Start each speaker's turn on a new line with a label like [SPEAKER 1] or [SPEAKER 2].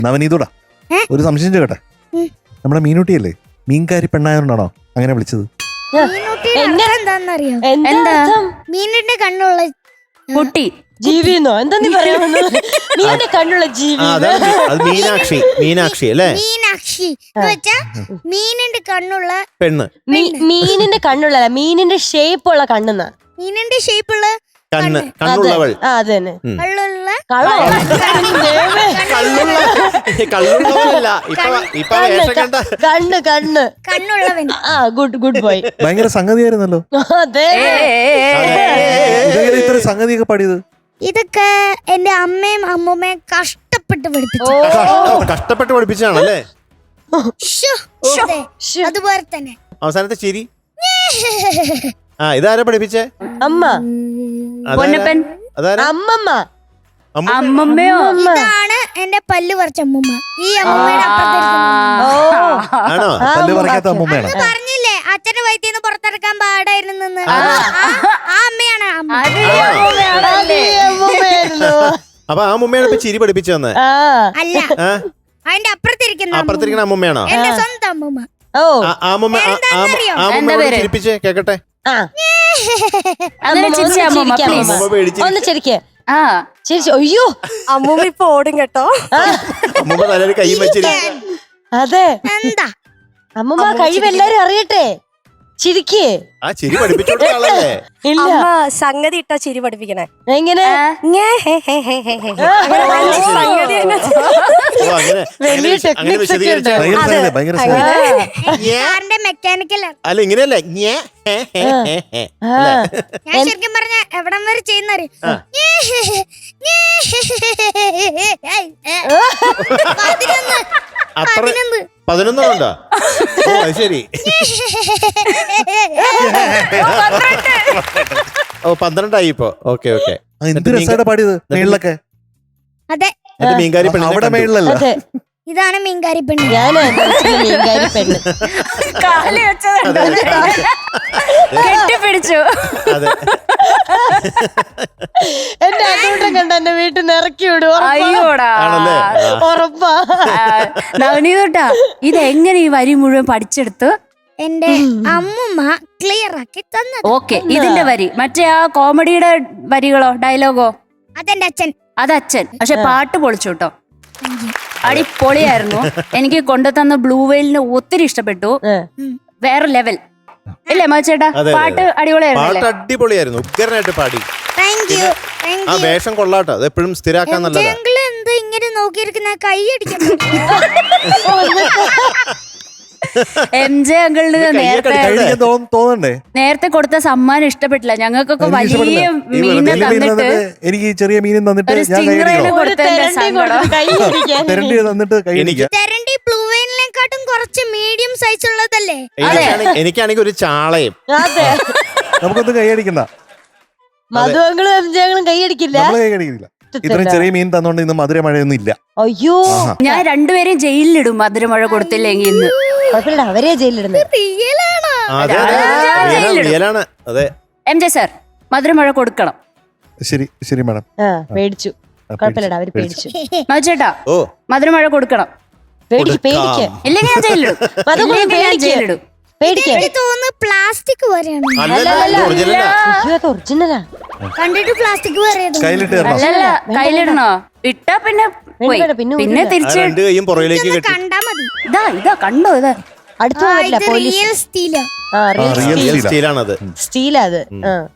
[SPEAKER 1] നവനീതൂടാ ഒരു സംശയം ചോട്ടെ, നമ്മുടെ മീനുട്ടിയല്ലേ മീൻകാരി പെണ്ണായോണ്ടാണോ അങ്ങനെ വിളിച്ചത്?
[SPEAKER 2] എന്താന്നറിയോ?
[SPEAKER 3] എന്താ
[SPEAKER 2] മീനിന്റെ കണ്ണുള്ള
[SPEAKER 3] കുട്ടി ജീവിന്നോ എന്താ നീ പറയാ? മീനിന്റെ കണ്ണുള്ള ജീവി
[SPEAKER 4] മീനാക്ഷി. മീനാക്ഷി അല്ലേ?
[SPEAKER 2] മീനാക്ഷി എന്ന് വെച്ചാ മീനിന്റെ കണ്ണുള്ള
[SPEAKER 4] പെണ്ണ്.
[SPEAKER 3] മീനിന്റെ കണ്ണുള്ള മീനിന്റെ ഷേപ്പുള്ള കണ്ണെന്നാ.
[SPEAKER 2] മീനിന്റെ ഷേപ്പുള്ള
[SPEAKER 4] കണ്ണ്. കണ്ണുള്ളവൾ.
[SPEAKER 3] അത് തന്നെ.
[SPEAKER 2] കള്ളുള്ള
[SPEAKER 4] കള്ളുള്ളവളല്ല. ഇപ്പൊ വേഷം കണ്ട
[SPEAKER 3] കണ്ണ് കണ്ണ്
[SPEAKER 2] കണ്ണുള്ളവൻ.
[SPEAKER 3] ആ ഗുഡ് ഗുഡ് ബോയ്.
[SPEAKER 1] ഭയങ്കര സംഗതിയായിരുന്നല്ലോ.
[SPEAKER 3] അതെ
[SPEAKER 1] ഇതെങ്ങനെ ഇത്ര സംഗതിയൊക്കെ പാടിയത്?
[SPEAKER 2] ഇതൊക്കെ എന്റെ അമ്മയും അമ്മൂമ്മയും കഷ്ടപ്പെട്ട് പഠിപ്പിച്ചു.
[SPEAKER 4] കഷ്ടപ്പെട്ട് പഠിപ്പിച്ചാണല്ലേ?
[SPEAKER 2] അതുപോലെ തന്നെ
[SPEAKER 4] അവസാനത്തെ ചിരി. ഇതാരാ പഠിപ്പിച്ചേ?
[SPEAKER 3] അമ്മ.
[SPEAKER 5] പൊന്നപ്പൻ.
[SPEAKER 3] അമ്മമ്മ.
[SPEAKER 5] അമ്മമ്മയോ?
[SPEAKER 2] ഇതാണ് എന്റെ പല്ല് പറിച്ച അമ്മൂമ്മ. ഈ അമ്മൂമ്മയുടെ
[SPEAKER 4] ആണോ?
[SPEAKER 1] പല്ല് പറിക്കാത്ത അമ്മൂമ്മയാണോ?
[SPEAKER 2] പറഞ്ഞില്ലേ അച്ഛന്റെ വയറ്റിന്ന് പുറത്തിറക്കാൻ പാടായിരുന്നു. ആ അമ്മയാണ് അമ്മ.
[SPEAKER 4] അപ്പൊ ആ അമ്മൂമ്മയാണ് ഇപ്പൊ ചിരി പഠിപ്പിച്ചു തന്നെ?
[SPEAKER 2] അല്ല, അതിന്റെ അപ്പുറത്തിരിക്കുന്ന
[SPEAKER 4] അമ്മൂമ്മയാണോ?
[SPEAKER 2] എന്റെ സ്വന്തം അമ്മൂമ്മ.
[SPEAKER 3] ഓ
[SPEAKER 4] ആ അമ്മൂമ്മ ചിരിപ്പിച്ചേ കേക്കട്ടെ. ഒന്ന്
[SPEAKER 3] ചിരിക്കേ.
[SPEAKER 5] ആ
[SPEAKER 3] ചിരിച്ചു. അയ്യോ
[SPEAKER 6] അമ്മൂമ്മ ഇപ്പൊ ഓടും കേട്ടോ.
[SPEAKER 4] അമ്മൂമ്മ നല്ലൊരു കൈ വെച്ചിരി.
[SPEAKER 3] അതെ
[SPEAKER 2] എന്താ
[SPEAKER 3] അമ്മമ്മ കഴിവ് എല്ലാരും അറിയട്ടെ. ചിരിക്കേ.
[SPEAKER 4] ആ ചിരി പഠിപ്പിച്ചു കൊടുത്താളല്ലേ?
[SPEAKER 3] ഇല്ല
[SPEAKER 6] അമ്മ സംഗതി ഇട്ടാ ചിരി പഠിപ്പിക്കണേ.
[SPEAKER 3] എങ്ങനെ? വലിയ ടെക്നിക്സ് ഒക്കെ ഉണ്ട്.
[SPEAKER 1] ഭയങ്കര
[SPEAKER 2] കാറിന്റെ മെക്കാനിക്കൽ.
[SPEAKER 4] അല്ല ഇങ്ങനെയല്ലേ?
[SPEAKER 2] ഞാൻ ശരിക്കും പറഞ്ഞ എവിടം വരെ ചെയ്യുന്നറിയ
[SPEAKER 4] 11 ശരി. 12 ഇപ്പൊ. Okay okay.
[SPEAKER 1] എന്ത് രസമായിട്ട് പാടിയത് മേളിലൊക്കെ.
[SPEAKER 2] അതെ,
[SPEAKER 4] മീൻകാരി
[SPEAKER 1] അവിടെ മേളിലല്ല.
[SPEAKER 2] ഇതാണ് മീൻകാരി പെണ്ണ്.
[SPEAKER 3] ഞാന് മീൻകാരി പെണ്ണ്.
[SPEAKER 5] കാല് കെട്ടിപ്പിടിച്ചു.
[SPEAKER 3] എന്റെ അക്കൗണ്ട് കണ്ട എന്റെ വീട്ടിൽ നിന്ന് ഇറക്കി വിടും.
[SPEAKER 5] അയ്യോടാ
[SPEAKER 3] ഉറപ്പാ.
[SPEAKER 5] നവനീതോട്ടാ ഇതെങ്ങനെ ഈ വരി മുഴുവൻ പഠിച്ചെടുത്ത്?
[SPEAKER 2] എന്റെ അമ്മൂമ്മ ക്ലിയർ ആക്കി തന്നത്.
[SPEAKER 5] ഓക്കെ, ഇതിന്റെ വരി മറ്റേ ആ കോമഡിയുടെ വരികളോ ഡയലോഗോ?
[SPEAKER 2] അതെന്റെ അച്ഛൻ.
[SPEAKER 5] അത് അച്ഛൻ. പക്ഷെ പാട്ട് പൊളിച്ചു കേട്ടോ, അടിപൊളിയായിരുന്നു. എനിക്ക് കൊണ്ടുതന്ന ബ്ലൂ വെയിലിന് ഒത്തിരി ഇഷ്ടപ്പെട്ടു. വേറെ ലെവൽ ഇല്ലേ മച്ചേട്ടാ? പാട്ട് അടിപൊളിയായിരുന്നു.
[SPEAKER 4] അടിപൊളിയായിരുന്നു. ഉഗ്രനായിട്ട് പാടി. ആ വേഷം കൊള്ളാട്ടോ. അത് എപ്പോഴും സ്ഥിരാക്കാൻ നല്ലതാ.
[SPEAKER 2] എന്ത് ഇങ്ങനെ നോക്കിയിരിക്കുന്ന കൈ അടിക്കുന്നു.
[SPEAKER 5] MJ അങ്കിളിന് നേരത്തെ കൊടുത്ത സമ്മാനം ഇഷ്ടപ്പെട്ടില്ല. ഞങ്ങൾക്കൊക്കെ വലിയ മീനെ തന്നിട്ട്
[SPEAKER 1] എനിക്ക് ചെറിയ മീനും തന്നിട്ട്
[SPEAKER 2] തെരണ്ടി ബ്ലൂ വെയിലിനെക്കാട്ടും കുറച്ച് മീഡിയം സൈസ് ഉള്ളതല്ലേ?
[SPEAKER 4] എനിക്കാണെങ്കിൽ ഒരു ചാളയും.
[SPEAKER 1] നമുക്കൊന്നും കൈയടിക്കണ്ട.
[SPEAKER 3] മധുവങ്ങളും എംജങ്ങളും കൈയടിക്കില്ല.
[SPEAKER 1] ഇത്രയും ചെറിയ മീൻ തന്നോണ്ട് ഇന്ന് മധുര മഴയൊന്നും ഇല്ല.
[SPEAKER 3] അയ്യോ,
[SPEAKER 5] ഞാൻ രണ്ടുപേരെയും ജയിലിലിടും മധുരമഴ കൊടുത്തില്ലെങ്കിൽ ഇന്ന്.
[SPEAKER 3] അവരെ ജയിലിടുന്നത്.
[SPEAKER 5] MJ സർ മധുരമഴ കൊടുക്കണം.
[SPEAKER 1] ശരി ശരി മാഡം.
[SPEAKER 3] പേടിച്ചു. കുഴപ്പമില്ലടാ, അവര് പേടിച്ചു.
[SPEAKER 5] മധുചേട്ടാ മധുരമഴ കൊടുക്കണം. ഇല്ലെങ്കിൽ ഞാൻ ജയിലിടും.
[SPEAKER 2] പ്ലാസ്റ്റിക്
[SPEAKER 3] ഒറിജിനലാ.
[SPEAKER 2] കണ്ടിട്ട് പ്ലാസ്റ്റിക്
[SPEAKER 5] അല്ലല്ല, കയ്യിലിടണോ? ഇട്ടാ പിന്നെ പിന്നെ തിരിച്ച്
[SPEAKER 2] കണ്ടാ മതി.
[SPEAKER 5] ഇതാ കണ്ടോ? ഇതാ
[SPEAKER 3] അടുത്ത്
[SPEAKER 2] റിയൽ സ്റ്റീലാ.
[SPEAKER 4] സ്റ്റീലാണത്.
[SPEAKER 3] സ്റ്റീലാ അത്.